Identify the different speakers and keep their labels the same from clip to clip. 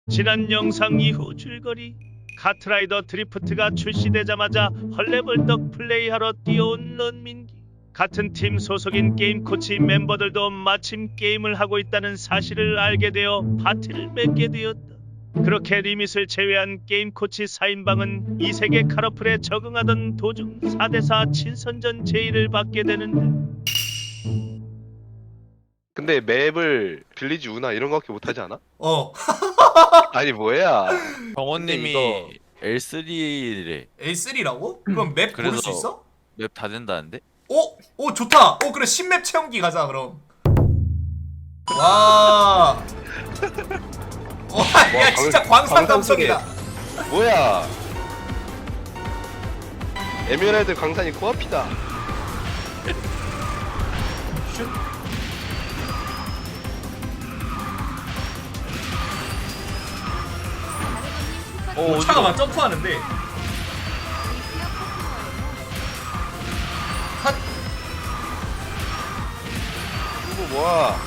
Speaker 1: 지난 영상 이후 줄거리 카트라이더 드리프트가 출시되자마자 헐레벌떡 플레이하러 뛰어온 런민기. 같은 팀 소속인 게임코치 멤버들도 마침 게임을 하고 있다는 사실을 알게 되어 파티를 맺게 되었다. 그렇게 리밋을 제외한 게임코치 4인방은 이 세계 카러플에 적응하던 도중 4대4 친선전 제의를 받게 되는데,
Speaker 2: 근데 맵을 빌리지 우나 이런 거밖에 못하지 않아?
Speaker 3: 어.
Speaker 2: 아니 뭐야?
Speaker 4: 병원님이
Speaker 2: 이거-
Speaker 4: L3래.
Speaker 3: L3라고? 그럼 맵 고를
Speaker 4: 그래서-
Speaker 3: 수 있어?
Speaker 4: 맵 다 된다는데?
Speaker 3: 오! 오 좋다! 오 그래 신맵 체험기 가자 그럼. 와. 와, 야 진짜 광산 감성이다.
Speaker 2: 뭐야? 에메랄드 강산이 코앞이다.
Speaker 3: 슛. 오, 차가 막 점프하는데. 핫.
Speaker 2: 이거 뭐야?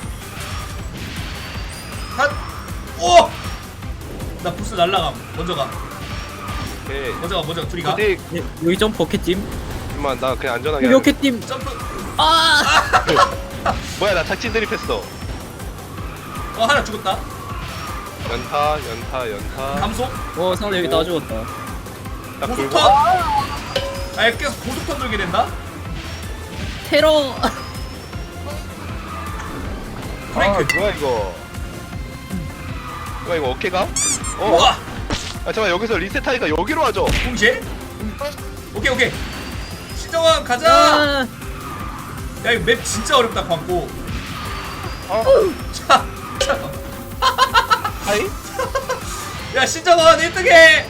Speaker 3: 핫. 오! 나 부스 날라감. 먼저 가.
Speaker 2: 오케이.
Speaker 3: 먼저 가. 둘이 가.
Speaker 2: 어디?
Speaker 5: 여기 점프 어깨팀?
Speaker 2: 임마 나 그냥 안전하게.
Speaker 5: 여기
Speaker 2: 하는-
Speaker 5: 어깨팀!
Speaker 3: 점프.
Speaker 5: 아!
Speaker 2: 뭐야 나 착진 드립했어.
Speaker 3: 하나 죽었다.
Speaker 2: 연타.
Speaker 3: 감속.
Speaker 5: 상대 여기 다 죽었다.
Speaker 2: 딱
Speaker 3: 고속턴.
Speaker 2: 굴고.
Speaker 3: 아, 계속 고속턴 돌게 된다.
Speaker 5: 테러!
Speaker 3: 브레이크.
Speaker 2: 뭐야 이거? 뭐야 이거 어깨가?
Speaker 3: 우와.
Speaker 2: 아 잠깐 여기서 리셋하니까 여기로 하죠.
Speaker 3: 동시에. 오케이. 신정환 가자.
Speaker 5: 아!
Speaker 3: 야 이거 맵 진짜 어렵다 광고. 자.
Speaker 2: 하이?
Speaker 3: 야 신정환 1등해.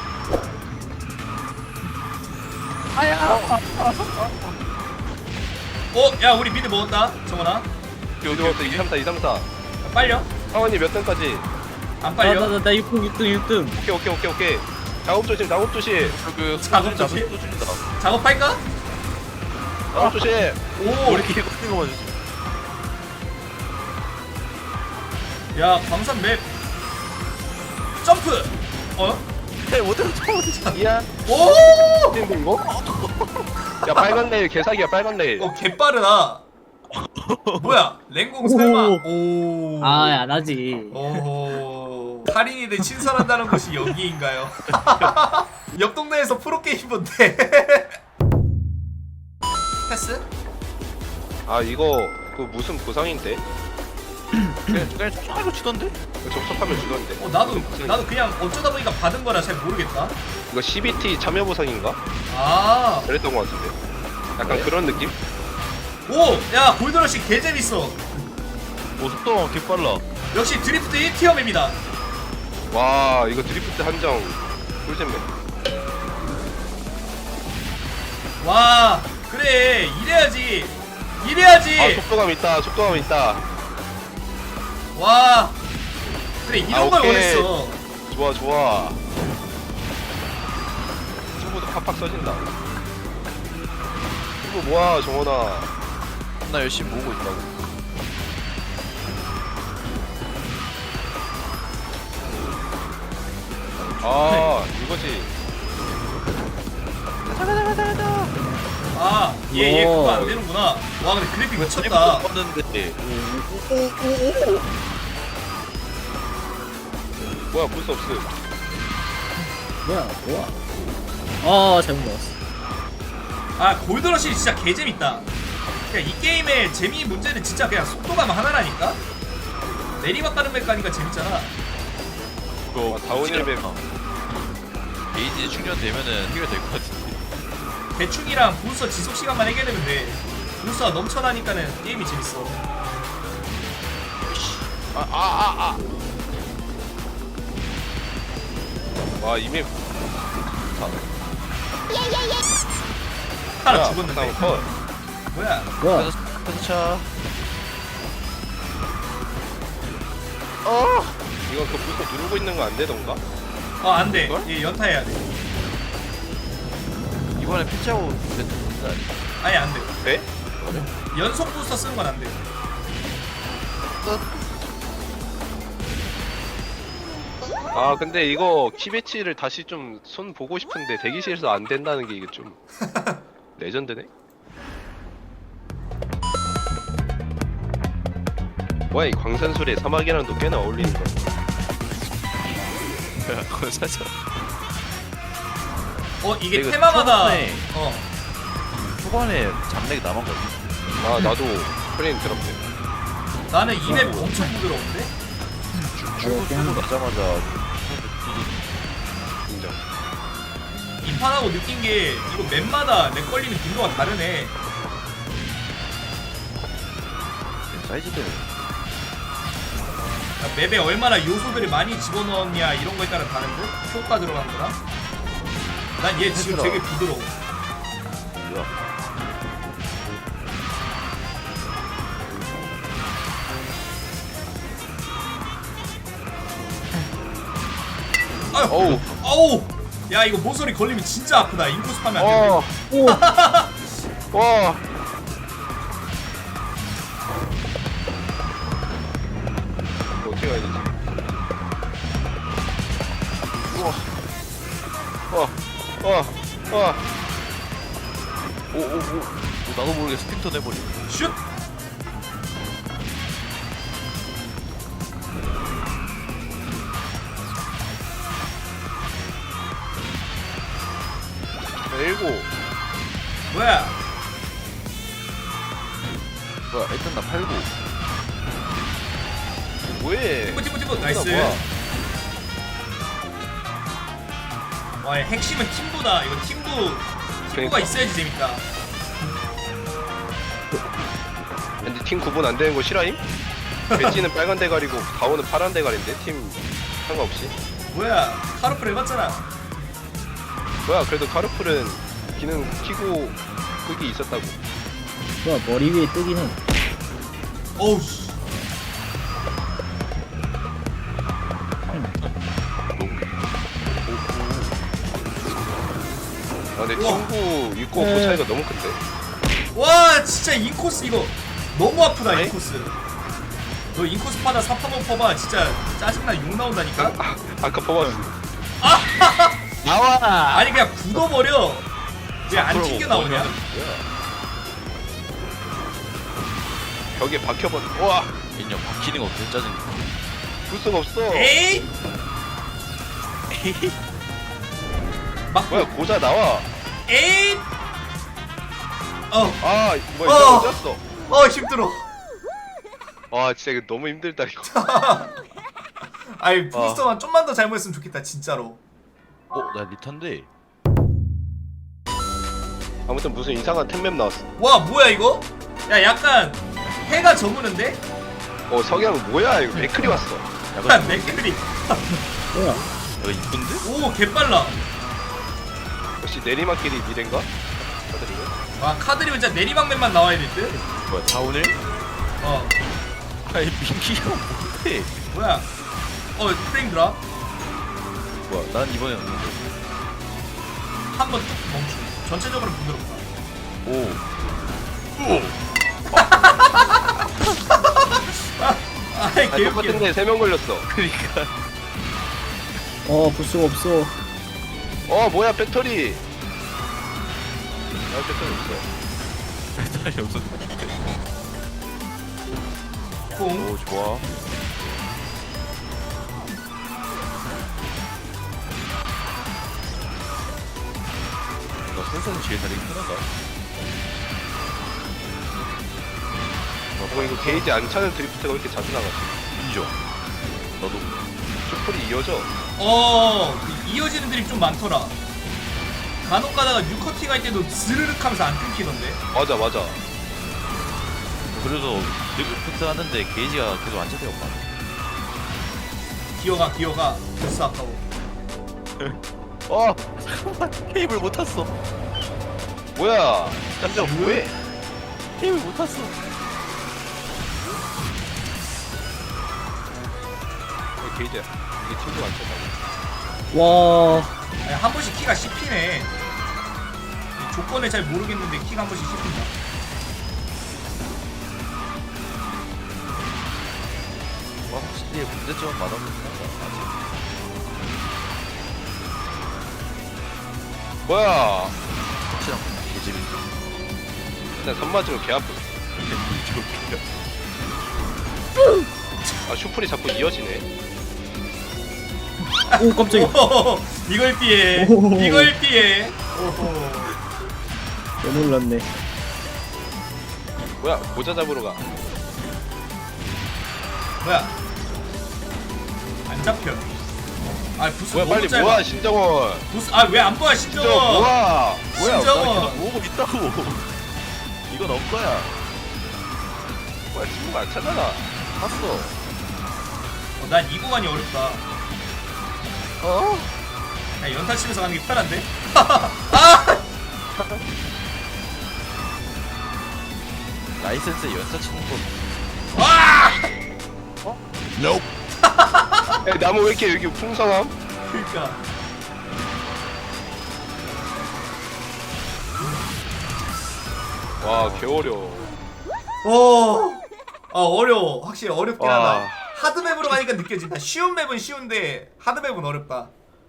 Speaker 3: 야 우리 미드 먹었다 정원아.
Speaker 2: 여기 왔어 234.
Speaker 3: 빨려.
Speaker 2: 상원이 몇 등까지?
Speaker 3: 안 빨려.
Speaker 5: 나 6등.
Speaker 2: 오케이. 작업 조심.
Speaker 4: 그
Speaker 3: 작업
Speaker 4: 또
Speaker 3: 조심?
Speaker 4: 준다.
Speaker 3: 작업할까?
Speaker 2: 작업 조심.
Speaker 3: 오.
Speaker 4: 머리 길고 있는 거만 주지.
Speaker 3: 야 광산 맵. 점프.
Speaker 4: 못해서 처음
Speaker 2: 이야.
Speaker 3: 오.
Speaker 2: 근데 이거? 야 빨간 레일 개사기야 빨간 레일.
Speaker 3: 개빠르다. 뭐야 랭공 설마. 오.
Speaker 5: 안 하지.
Speaker 3: 오. 할인이들 친선한다는 곳이 여기인가요? 옆 동네에서 프로게이머인데. 패스?
Speaker 2: 아 이거 그 무슨 보상인데?
Speaker 4: 그냥 쫓아가고 치던데?
Speaker 2: 접속하면 주던데.
Speaker 3: 나도 그냥 어쩌다 보니까 받은 거라 잘 모르겠다.
Speaker 2: 이거 CBT 참여 보상인가?
Speaker 3: 아.
Speaker 2: 그랬던 것 같은데. 약간 그런 느낌?
Speaker 3: 오! 야 골드러시 개재밌어.
Speaker 4: 속도가 개빨라.
Speaker 3: 역시 드리프트 1티어 맵이다.
Speaker 2: 와 이거 드리프트 한정 꿀잼네.
Speaker 3: 와 그래 이래야지.
Speaker 2: 아 속도감 있다.
Speaker 3: 와 그래 이런 걸
Speaker 2: 오케이.
Speaker 3: 원했어.
Speaker 2: 좋아. 친구도 팍팍 써진다. 친구 뭐야 정원아.
Speaker 4: 나 열심히 모으고 있다고.
Speaker 2: 이거지.
Speaker 3: 얘
Speaker 5: 오.
Speaker 3: 그거 안 되는구나. 와 근데 그래픽 미쳤다.
Speaker 4: 봤는데
Speaker 2: 뭐야 볼수 없음.
Speaker 5: 뭐야. 잘못 먹었어.
Speaker 3: 아 골드러시 진짜 개재밌다. 그냥 이 게임의 재미 문제는 진짜 그냥 속도감 하나라니까. 내리막 가는 맵 가니까 재밌잖아.
Speaker 4: 그거
Speaker 2: 다운힐 맵.
Speaker 4: 게이지 충전되면은 해결될 것 같은데.
Speaker 3: 대충이랑 부스터 지속 시간만 해결되면 돼. 부스터가 넘쳐나니까는 게임이 재밌어.
Speaker 2: 와 이맵.
Speaker 3: 하나 죽었는데.
Speaker 2: 컷.
Speaker 3: 뭐야?
Speaker 5: 뭐야?
Speaker 4: 차.
Speaker 2: 이거 그 불꽃 누르고 있는 거 안 되던가?
Speaker 3: 안 돼. 얘 연타해야 돼.
Speaker 4: 이번에 패치하고 됐다.
Speaker 3: 아예 안 돼.
Speaker 2: 돼?
Speaker 3: 연속 부스터 쓰는 건 안 돼.
Speaker 2: 아 근데 이거 키배치를 다시 좀 손 보고 싶은데 대기실에서 안 된다는 게 이게 좀 레전드네. 뭐야 이 광산술에 사막이랑도 꽤나 어울리는 거.
Speaker 4: 그건 사실
Speaker 3: 이게
Speaker 4: 이거
Speaker 3: 테마마다
Speaker 4: 초반에-
Speaker 3: 어
Speaker 4: 초반에 잡내기 남은 거지.
Speaker 2: 아 나도 프레임 드랍돼.
Speaker 3: 나는 이 맵 엄청 부드러운데?
Speaker 4: 출구 넣자마자
Speaker 2: 인정.
Speaker 3: 이 판하고 느낀 게 이거 맵마다 렉 걸리는 빈도가 다르네.
Speaker 4: 사이즈들
Speaker 3: 그러니까 맵에 얼마나 요소들을 많이 집어넣었냐 이런 거에 따라 다른 듯? 효과 들어간 거랑? 난 얘 지금 되게 부드러워.
Speaker 4: 뭐야?
Speaker 3: 아유,
Speaker 2: 어우.
Speaker 3: 어우! 야 이거 모서리 걸리면 진짜 아프다. 인코스 파면 안 돼.
Speaker 5: 오.
Speaker 2: 와. 이거 어떻게 가야 되지? 와.
Speaker 4: 오오오. 나도 모르게 스핀턴 해버리.
Speaker 3: 슛!
Speaker 2: 일곱.
Speaker 3: 뭐야?
Speaker 4: 뭐야? 일단 나 89.
Speaker 2: 뭐해?
Speaker 3: 티브 나이스.
Speaker 2: 뭐야?
Speaker 3: 와 핵심은 팀부다. 이거 팀부가
Speaker 2: 그러니까.
Speaker 3: 있어야지 재밌다.
Speaker 2: 근데 팀 구분 안 되는 거 싫어임? 배지는 빨간 대가리고 가오는 파란 대가리인데 팀 상관없이.
Speaker 3: 뭐야? 카르프를 해봤잖아.
Speaker 2: 뭐야 그래도 카르풀은 기능 키고 끄기 있었다고.
Speaker 5: 뭐야 머리 위에 뜨긴 해.
Speaker 3: 어우 씨.
Speaker 2: 아 근데
Speaker 3: 우와.
Speaker 2: 친구 있고 그 차이가 너무 큰데.
Speaker 3: 와 진짜 인코스 이거 너무 아프다.
Speaker 2: 네?
Speaker 3: 인코스. 너 인코스 파다 사파몬 퍼봐. 진짜 짜증나 욕 나온다니까.
Speaker 2: 아까 뽑았어.
Speaker 4: 나와.
Speaker 3: 아니 그냥 굳어버려. 왜 안 튕겨 나오냐?
Speaker 2: 벽에 박혀버려. 와,
Speaker 4: 인형 박히는 거 어때? 짜증.
Speaker 2: 볼 수가 없어.
Speaker 3: 에이? 막
Speaker 2: 뭐야 고자 나와.
Speaker 3: 에이?
Speaker 2: 아 뭐야 이거 어쩌어.
Speaker 3: 힘들어.
Speaker 2: 와 진짜 이거 너무 힘들다 이거.
Speaker 3: 아니 부스터만 좀만 더 잘못했으면 좋겠다 진짜로.
Speaker 4: 나 리턴데.
Speaker 2: 아무튼 무슨 이상한 템맵 나왔어.
Speaker 3: 와 뭐야 이거? 야 약간 해가 저무는데?
Speaker 2: 석양 뭐야 이거 맥클이 왔어.
Speaker 3: 약간 맥그리.
Speaker 5: 뭐야?
Speaker 4: 이거 이쁜데?
Speaker 3: 오 개빨라.
Speaker 2: 역시 내리막길이 미래인가? 다들 이거.
Speaker 3: 와 카드리 진짜 내리막맨만 나와야 될 듯?
Speaker 4: 뭐야 다 오늘?
Speaker 3: 어
Speaker 4: 아이 민기가 뭔데?
Speaker 3: 뭐야? 프레임 드랍
Speaker 4: 뭐야 난 이번에 없는데.
Speaker 3: 한번 뚝 멈추. 전체적으로 부드럽다.
Speaker 4: 오.
Speaker 3: 아이
Speaker 2: 아
Speaker 3: 개웃기네.
Speaker 2: 똑같은데 3명 걸렸어.
Speaker 4: 그니까.
Speaker 5: 볼 수가 없어.
Speaker 2: 뭐야 배터리. 아 배터리 없어.
Speaker 4: 배달이 없었는데.
Speaker 3: 공.
Speaker 4: 오 좋아. 나 생선 제일 다리 편하다.
Speaker 2: 이거 게이지 안 차는 드리프트가 왜 이렇게 자주 나가지?
Speaker 4: 인정. 너도.
Speaker 2: 슈플이 이어져.
Speaker 3: 이어지는 드립 좀 많더라. 간혹 가다가 뉴커팅 할 때도 스르륵 하면서 안 끊기던데.
Speaker 2: 맞아.
Speaker 4: 그래서 리프트 하는데 게이지가 계속 안 차대요 오빠.
Speaker 3: 기어가. 벌써 아까워.
Speaker 4: 잠깐만 케이블 못 탔어.
Speaker 2: 뭐야? 깜짝 뭐해?
Speaker 4: 케이블 못 탔어.
Speaker 2: 게이지야. 이게 친구가 안 차다고.
Speaker 5: 와.
Speaker 3: 아니, 한 번씩 키가 씹히네. 이 조건을 잘 모르겠는데 키가 한 번씩 씹힌다.
Speaker 4: 확실히 문제점은 많아보긴 한다. 아직.
Speaker 2: 뭐야?
Speaker 4: 확실한 개재미.
Speaker 2: 맨날 선 맞으면 개 아프. 아 슈플이 자꾸 이어지네.
Speaker 5: 오 깜짝이야.
Speaker 3: 오호호호, 이걸 피해.
Speaker 5: 오호호호.
Speaker 3: 이걸 피해. 오호.
Speaker 5: 개 놀랐네.
Speaker 2: 뭐야 모자 잡으러 가.
Speaker 3: 뭐야? 안 잡혀. 아 부스
Speaker 2: 뭐야
Speaker 3: 너무
Speaker 2: 빨리
Speaker 3: 짧아.
Speaker 2: 모아 신정원.
Speaker 3: 부스 아왜 안 보아
Speaker 2: 신정원
Speaker 3: 신정원?
Speaker 2: 모아.
Speaker 4: 뭐야? 나
Speaker 3: 신정원.
Speaker 4: 계속 모으고 있다고. 이건 없거야.
Speaker 2: 뭐야 친구가 안 찾아나.
Speaker 4: 봤어.
Speaker 3: 난 이 구간이 어렵다.
Speaker 2: 어?
Speaker 3: 야 연타 치면서 가는 게 편한데? 아!
Speaker 4: 라이센스에 연사 치는 거.
Speaker 3: 와!
Speaker 2: 야, 나무 왜 이렇게 여기 풍성함?
Speaker 3: 그니까.
Speaker 2: 와 개어려워.
Speaker 3: 어려워. 확실히 어렵긴
Speaker 2: 와.
Speaker 3: 하다. 하드맵으로 가니까 느껴진다. 쉬운 맵은 쉬운데 하드맵은 어렵다.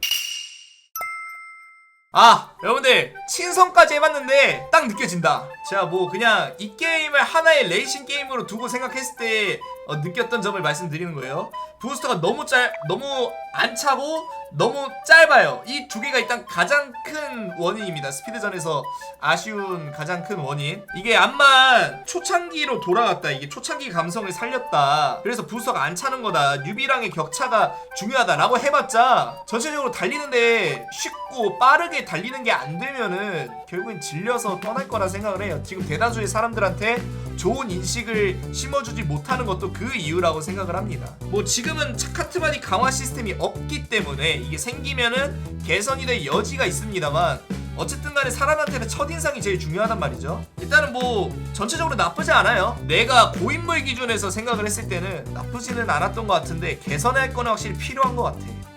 Speaker 3: 아 여러분들 친선까지 해봤는데 딱 느껴진다. 제가 뭐 그냥 이 게임을 하나의 레이싱 게임으로 두고 생각했을 때 느꼈던 점을 말씀드리는 거예요. 부스터가 너무 안 차고 너무 짧아요. 이 두 개가 일단 가장 큰 원인입니다. 스피드전에서 아쉬운 가장 큰 원인. 이게 암만 초창기로 돌아갔다. 이게 초창기 감성을 살렸다. 그래서 부스터가 안 차는 거다. 뉴비랑의 격차가 중요하다라고 해봤자 전체적으로 달리는데 쉽고 빠르게 달리는 게 안 되면은 결국엔 질려서 떠날 거라 생각을 해요. 지금 대다수의 사람들한테 좋은 인식을 심어주지 못하는 것도 그 이유라고 생각을 합니다. 뭐 지금은 차카트바디 강화 시스템이 없기 때문에 이게 생기면은 개선이 될 여지가 있습니다만 어쨌든 간에 사람한테는 첫인상이 제일 중요하단 말이죠. 일단은 뭐 전체적으로 나쁘지 않아요. 내가 고인물 기준에서 생각을 했을 때는 나쁘지는 않았던 것 같은데 개선할 거는 확실히 필요한 것 같아.